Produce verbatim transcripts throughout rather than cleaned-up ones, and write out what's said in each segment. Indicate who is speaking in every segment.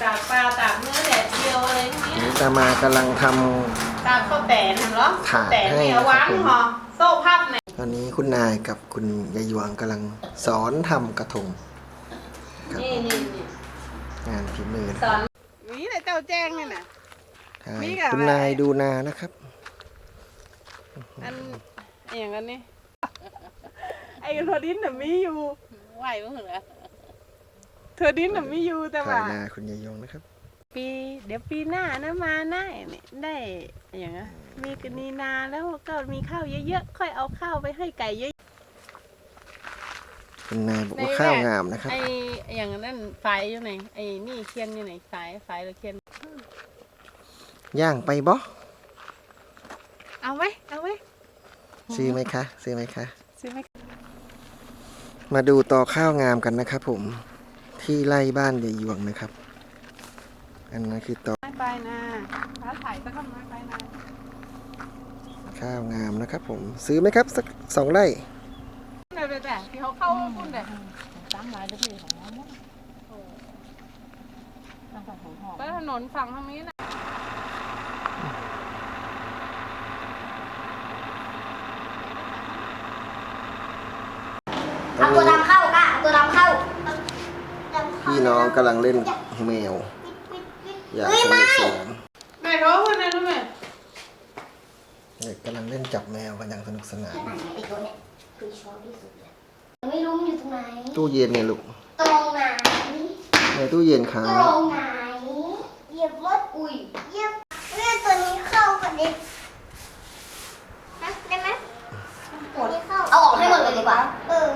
Speaker 1: ตากปลาตากเนื้อแดดเดียวอะไรพวกนี้
Speaker 2: นี่ตามากำลังทำ
Speaker 1: ตากข้าวแต่นเหรอ
Speaker 2: ถาด
Speaker 1: แต่
Speaker 2: ให้
Speaker 1: เนี่ย
Speaker 2: นะครับ
Speaker 1: วาง
Speaker 2: ผม
Speaker 1: ห่อโซ่พับเนี่ย
Speaker 2: ตอนนี้คุณนายกับคุณยายหยวงกำลังสอนทำกระทงครับ
Speaker 1: นี่นี่นี่
Speaker 2: งานฝีมือนะ
Speaker 1: สอนนี่แหละเจ้าแจ้งเนี่ยนะ
Speaker 2: ใช่
Speaker 1: มีกับ
Speaker 2: คุณนายดูนานะครับ
Speaker 1: อันอย่างนั้นนี่ไอ้เทอร์ดินน่ะมีอยู่ไหวมั้งเหรอเทอร์ดินน่ะมีอยู่แต่
Speaker 2: ถ่า
Speaker 1: ว่า
Speaker 2: ยนาคุณยายหยวงนะครับ
Speaker 1: ปีเดี๋ยวปีหน้านะมาได้นี่ได้อย่างเงี้ยมีกนีนาแล้วก็มีข้าวเยอะๆค่อยเอาข้าวไปให้ไก่เยอะ
Speaker 2: คุณนายบอกว่าข้าวงามนะครับ
Speaker 1: ไอ้อย่างนั้นไฟอยู่ไหนไอ้นี่เคียนอยู่ไหนไฟไฟหรือเคียน
Speaker 2: ย่างไปบ่
Speaker 1: เอาไว้เอาไว้
Speaker 2: ซื้อไหมคะซื้อไหมคะ
Speaker 1: ซื้อไหม
Speaker 2: มาดูต่อข้าวงามกันนะครับผมที่ไร่บ้านยายหยวงนะครับ อันนั้นคือต่อ
Speaker 1: ไม้ไปนะฟ้าถ่ายสักคำไม้ไปนะ
Speaker 2: ข้าวงามนะครับผมซื้อไหมครับสักสองไร่
Speaker 1: เดี๋ยวแต่ที่เขาเข้าพุ่นเลย
Speaker 3: ตามหลายเรื่องของน้องมั้งนั่งกับหัวหอม
Speaker 1: ไปถนนฝั่งทางนี้นะ
Speaker 2: ตอน
Speaker 4: เอาตัว
Speaker 2: นี้
Speaker 4: ดำเข้าค่ะเอาตัวดำเข้า
Speaker 2: พี่น้องกำลังเล่นแมวอย่างสนุกสนาน
Speaker 1: แม่เขาคนนั้นรู้ไหม
Speaker 2: เด็กกำลังเล่นจับแมวกันอย่างสนุกสนาน
Speaker 4: ไอ้ตัวเนี้ยคือชอบที่สุดเลยไม่รู้มันอยู่ตรงไหน
Speaker 2: ตู้เย็นเนี่ยลูก
Speaker 4: ตรงไหน
Speaker 2: ในตู้เย็นครั
Speaker 4: ต
Speaker 2: บ
Speaker 4: รงไหนเหยียบมดอุ้ยเหยียบเลือดตัวนี้เข้ากันดิฮะได้ไหมตัวนี้เข้าเอาออกให้หมดเลยดีกว่าเออ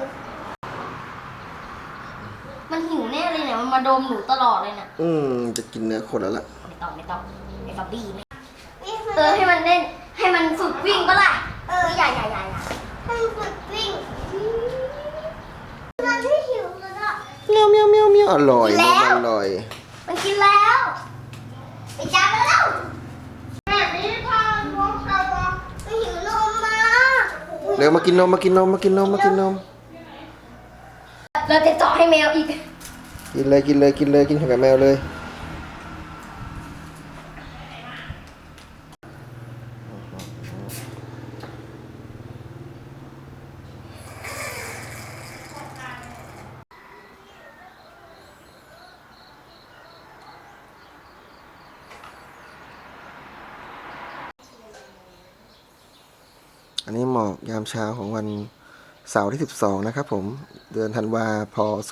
Speaker 4: มันหิวแน่เลยเนี่ยมันมาดมหนูตลอดเลยน่ะ
Speaker 2: อืมจะกินเนื้อคนแล้วล่ะ
Speaker 4: ไม่ต้องไม่ต้องไอ้บอบบี้ไม่เออให้มันเล่นให้มันฝึกวิ่งก็ล่ะเอออย่าอย่าอย่าอย่าให้มันฝึกวิ่งมันไม่หิวแล้วอ่ะ
Speaker 2: เมียวเมียวเมียวเมียวอร่อย
Speaker 4: แล้
Speaker 2: น
Speaker 4: ว
Speaker 2: มอร่อย
Speaker 4: มันกินแล้วไปจับมันแล้วแม่ไม่พาน้องเราไม่หิวนมมา
Speaker 2: เดี๋ยวมากินนมมากินนมมากินนมมากินนม
Speaker 4: เราจะเจาะให้แมวอีก
Speaker 2: กินเลยกินเลยกินเลยกินกับแมวเลยอันนี้หมอกยามเช้าของวันเสาร์ที่สิบสองนะครับผมเดือนธันวาพศ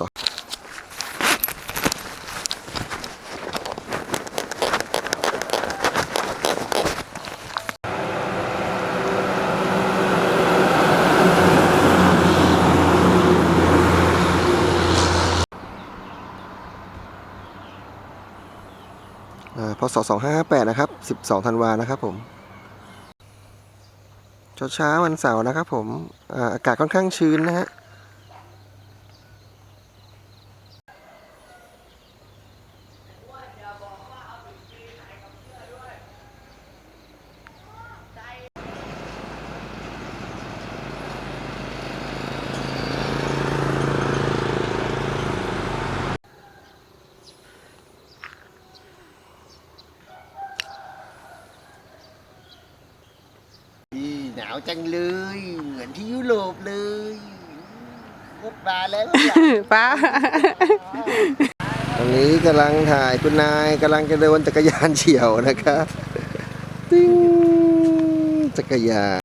Speaker 2: พศสองห้าห้าแปดนะครับสิบสองธันวานะครับผมเช้าเช้าวันเสาร์นะครับผมอ่าอากาศค่อนข้างชื้นนะฮะหนาวจังเลยเหมือนที่ยุโรปเลยรถมาแล้ว
Speaker 1: ป้า
Speaker 2: ตอนนี้กำลังถ่ายคุณนายกำลังจะเดินจักรยานเฉี่ยวนะครับติ้งจักรยาน